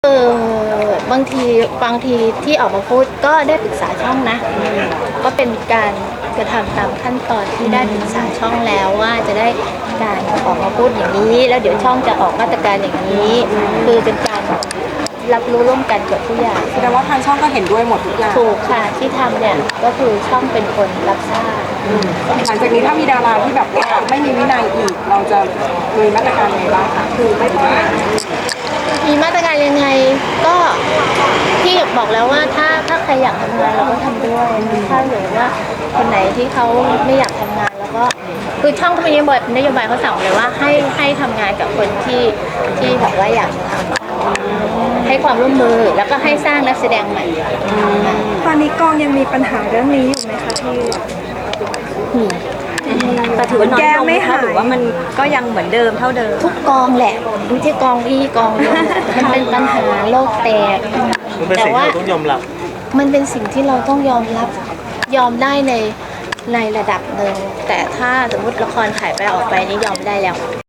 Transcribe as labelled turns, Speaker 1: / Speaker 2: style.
Speaker 1: บางทีที่ออกมาพูดก็ได้ปรึกษาช่องนะก็เป็นการกระทำตามขั้นตอนที่ได้ปรึกษาช่องแล้วว่าจะได้การออกมาพูดอย่างนี้แล้วเดี๋ยวช่องจะออกมาตรการอย่างนี้คือเป็นการรับรู้ร่วมกันกับผู้ใหญ่
Speaker 2: แสดงว่าทางช่องก็เห็นด้วยหมดทุกอย่าง
Speaker 1: ถูกค่ะที่ทำเนี่ยก็คือช่องเป็นคนรับทราบ
Speaker 2: หลังจากนี้ถ้ามีดาราที่แบบว่าไม่มีวินัยอีกเราจะมีมาตรการยังไงบ้างคะคือไม่ต้อง
Speaker 1: มีมาตรการยังไงก็ที่บอกแล้วว่าถ้าใครอยากทำงานเราก็ทำด้วยถ้าหรือว่าคนไหนที่เขาไม่อยากทำงานแล้วก็คือช่องเขามีนโยบายเขาสั่งเลยว่าให้ทำงานกับคนที่แบบว่าอยากจะทำให้ความร่วมมือแล้วก็ให้สร้างนักแสดงใหม่
Speaker 3: ตอนนี้กองยังมีปัญหาเรื่องนี้อยู่ไหมคะพี่
Speaker 4: แต่ถือว่าน้อยลงไหมคะหรือว่ามันก็ยังเหมือนเดิมเท่าเดิม
Speaker 1: ทุกกองแหละดูที่กองพี่กองมันเป็นปัญหาโลกแตก
Speaker 5: แต่ว่าต้องยอมรับ
Speaker 1: มันเป็นสิ่งที่เราต้องยอมรับยอมได้ในระดับหนึ่งแต่ถ้าสมมติละครถ่ายไปออกไปนี่ยอมได้แล้ว